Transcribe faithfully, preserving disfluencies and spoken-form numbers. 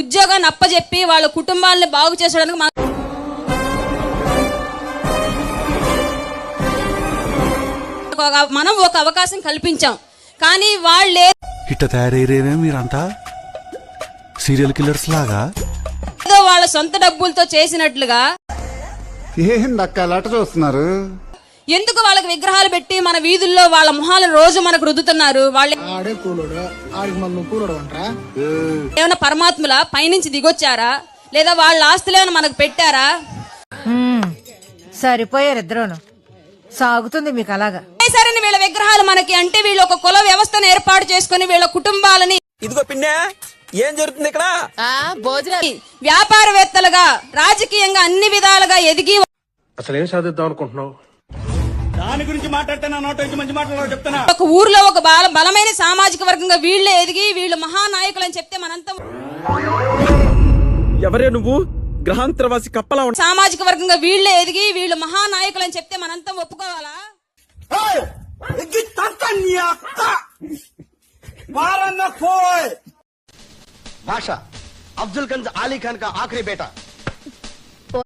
ఉద్యోగాన్ని అప్పజెప్పి వాళ్ళ కుటుంబాలను బాగు చేసడానికి మనం ఒక అవకాశం కల్పించాం. కానీ వాళ్ళే ఇట్ట తయారయ్యేనే మీరంతా సీరియల్ కిల్లర్స్ లాగా ఏదో వాళ్ళ సొంత డబ్బులతో చేసినట్లుగా ఏందక్క లట చూస్తున్నారు? ఎందుకు వాళ్ళకి విగ్రహాలు పెట్టి మన వీధుల్లో వాళ్ళ మొహాలను రోజు మనకు రుద్దుతున్నారు? వాళ్ళు ఏమైనా పరమాత్ముల పైనుంచి దిగొచ్చారా, లేదా వాళ్ళ ఆస్తులు ఏమైనా మనకు పెట్టారా? సరిపోయారు ఇద్దరును. సాగుతుంది మీకు అలాగా. సరే వీళ్ళ విగ్రహాలు మనకి అంటే వీళ్ళు ఒక కుల వ్యవస్థను ఏర్పాటు చేసుకుని వీళ్ళ కుటుంబాలని ఇదిగో పిన్నే ఏం జరుగుతుంది ఇక్కడ? వ్యాపారవేత్తలుగా రాజకీయంగా అన్ని విధాలుగా ఎదిగి అసలు ఏం సాధిద్దాం అనుకుంటున్నావు? దాని గురించి మాట్లాడితే నా నోట నుంచి మంచి మాట్లాడాలి చెప్తున్నా. ఒక ఊర్లో ఒక బాల బలమైన సామాజిక వర్గంగా వీళ్ళే ఎదిగి వీళ్ళు మహానాయకులు అని చెప్తే మనంతా ఎవరే నువ్వు? గ్రహాంతరవాసి కప్పలా ఉంటా. సామాజిక వర్గంగా వీళ్ళే ఎదిగి వీళ్ళు మహానాయకులు అని చెప్తే మనంతా ఒప్పుకోవాలా? भाषा अफजल गंज आली खान का आखिरी बेटा